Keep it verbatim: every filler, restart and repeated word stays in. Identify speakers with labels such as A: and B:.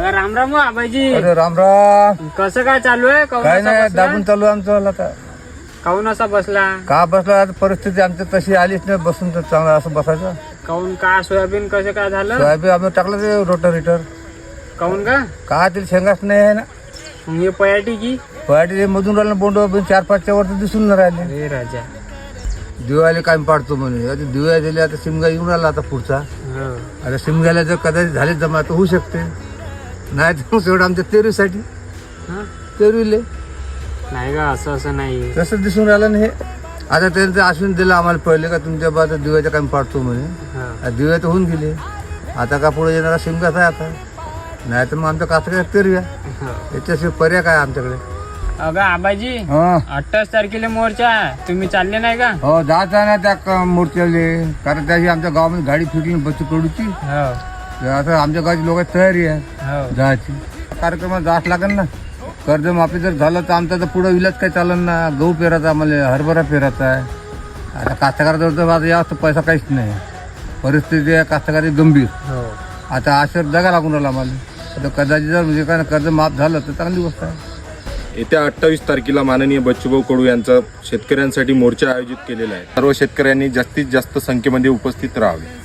A: राम राम आबाजी.
B: अरे राम राम.
A: कसं काय चालू आहे? काहून
B: काय
A: असा
B: नाही,
A: बसला?
B: दाबून चालू आहे आमचं आता.
A: काहून असा बसला?
B: का बसला आता, परिस्थिती आमची तशी आलीच नाही, बसून तर चांगलं असं बसायचं.
A: काहून का सोयाबीन कसं काय झालं?
B: सोयाबीन आम्ही टाकलं ते रोटर रिटर.
A: काहून का?
B: का तिला शेंगाच नाही आहे ना.
A: मग हे पयाटी की
B: पहाटे मधून राहिलं बोंड चार पाचच्या वर दिसून नाही राहिले.
A: अरे राजा.
B: दिवाळी काय पाडतो म्हणे. आता दिवाळी दिली, आता शिमगा येऊन राहिला आता पुढचा.
A: हो.
B: आता शिमग्याला जर कदाचित झाले जमा तर होऊ शकते. नाही तर मग एवढं आमच्या तेरवीसाठी
A: हा?
B: तेरवीले
A: नाही का, असं असं नाही.
B: तसं दिसून राहिलं ना हे. आता त्यांचं आश्वासन दिलं आम्हाला पहिले का तुमच्या बाबा दिवाळीचं काम पाडतो म्हणे.
A: हा.
B: आता दिवाळी तर होऊन गेले. आता का पुढे येणारा शिमगाच आहे आता. नाही तर मग आमच्या कास्तकार तेरव्या.
A: हो.
B: याच्याशिवाय पर्याय काय आमच्याकडे.
A: अगं आबाजी,
B: हो
A: अठ्ठावीस तारखेला मोर्चा आहे. तुम्ही चालले नाही का?
B: हो जात आहे ना त्या क- मोर्चाले. कारण त्याची आमच्या गावामध्ये गाडी फिरली बच्चू कडूची.
A: हो.
B: आता आमच्या गावची लोक तयारी आहे
A: हो.
B: जायची. कार्यक्रमात जात लागेल ना. कर्जमाफी जर झालं तर आमचा तर पुढं विलाज काय चालेल ना. गहू पेरायचा आम्हाला, हरभरा पेरायचा आहे. आता कास्तकाराजवळ तर आता जास्त पैसा काहीच नाही. परिस्थिती आहे कास्तकारी गंभीर.
A: हो.
B: आता आशेवर जगा लागून राहिला आम्हाला. आता कदाचित जर म्हणजे काय कर्ज माफ झालं तर चांगली गोष्ट आहे.
C: येत्या अठ्ठावीस तारखेला माननीय बच्चूभाऊ कडू यांचा शेतकऱ्यांसाठी मोर्चा आयोजित केलेला आहे. सर्व शेतकऱ्यांनी जास्तीत जास्त संख्येमध्ये उपस्थित राहावे.